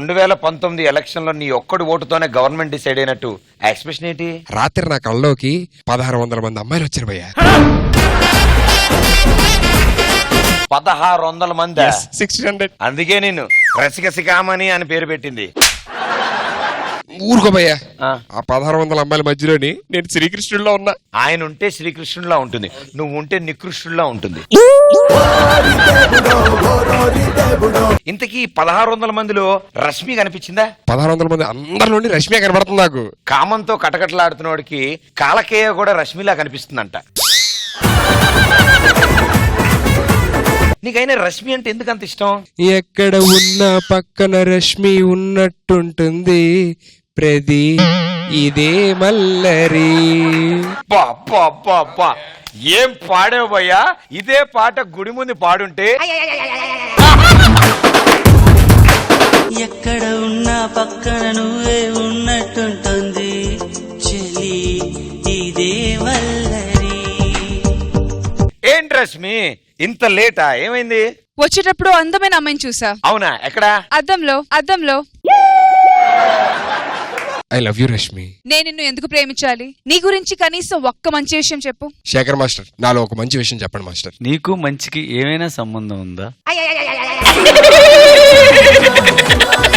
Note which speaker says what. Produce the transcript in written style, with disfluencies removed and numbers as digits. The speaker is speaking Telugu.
Speaker 1: 2019 ఎలక్షన్ లో నీ ఒక్కడి ఓటుతోనే గవర్నమెంట్ డిసైడ్ అయినట్టు ఎక్స్ప్రెషన్ ఏంటి?
Speaker 2: రాత్రి నా కళ్ళలోకి 1600 మంది అమ్మాయిలు వచ్చారు భయ్యా.
Speaker 1: 1600 మంది.
Speaker 2: 600.
Speaker 1: అందుకే నేను రసికసికామణి అని పేరు పెట్టింది.
Speaker 2: ఊరుకో భయ్యా. ఆ 1600 అమ్మాయిల మధ్యలోని నేను శ్రీకృష్ణుడిలో ఉన్నా.
Speaker 1: ఆయన ఉంటే శ్రీకృష్ణుడిలా ఉంటుంది, నువ్వు ఉంటే నికృష్ణుడిలా ఉంటుంది. ఇంతకీ 1600 మందిలో రష్మి కనిపించిందా?
Speaker 2: 1600 మంది అందరిలోని రష్మి కనబడుతుంది నాకు.
Speaker 1: కామంతో కటకటలాడుతున్నోడికి కాలకేయ కూడా రష్మిలా కనిపిస్తుందంట. నీకైనా రష్మి అంటే ఎందుకు అంత ఇష్టం?
Speaker 2: ఎక్కడ ఉన్నా పక్కన రష్మి ఉన్నట్టుంటుంది ప్రది ఇదే మల్లరి.
Speaker 1: ఏం పాడావు భయ్యా? ఇదే పాట గుడి ముందు పాడుంటే
Speaker 3: ఎక్కడ ఉన్నా పక్కన నువ్వే ఉన్నట్టుంటుంది చెలి ఇదే మల్లరి.
Speaker 1: ఏంటి రష్మి ఇంత లేటా? ఏమైంది?
Speaker 4: వచ్చేటప్పుడు అందమైన అమ్మాయిని చూసా.
Speaker 1: అవునా? ఎక్కడా?
Speaker 4: అద్దంలో.
Speaker 2: I love you Rashmi.
Speaker 4: నేను నిన్ను ఎందుకు ప్రేమించాలి? నీ గురించి కనీసం ఒక్క మంచి విషయం చెప్పు.
Speaker 2: శేఖర్ మాస్టర్, నాలో ఒక మంచి విషయం చెప్పండి మాస్టర్.
Speaker 5: నీకు మంచికి ఏమైనా సంబంధం ఉందా?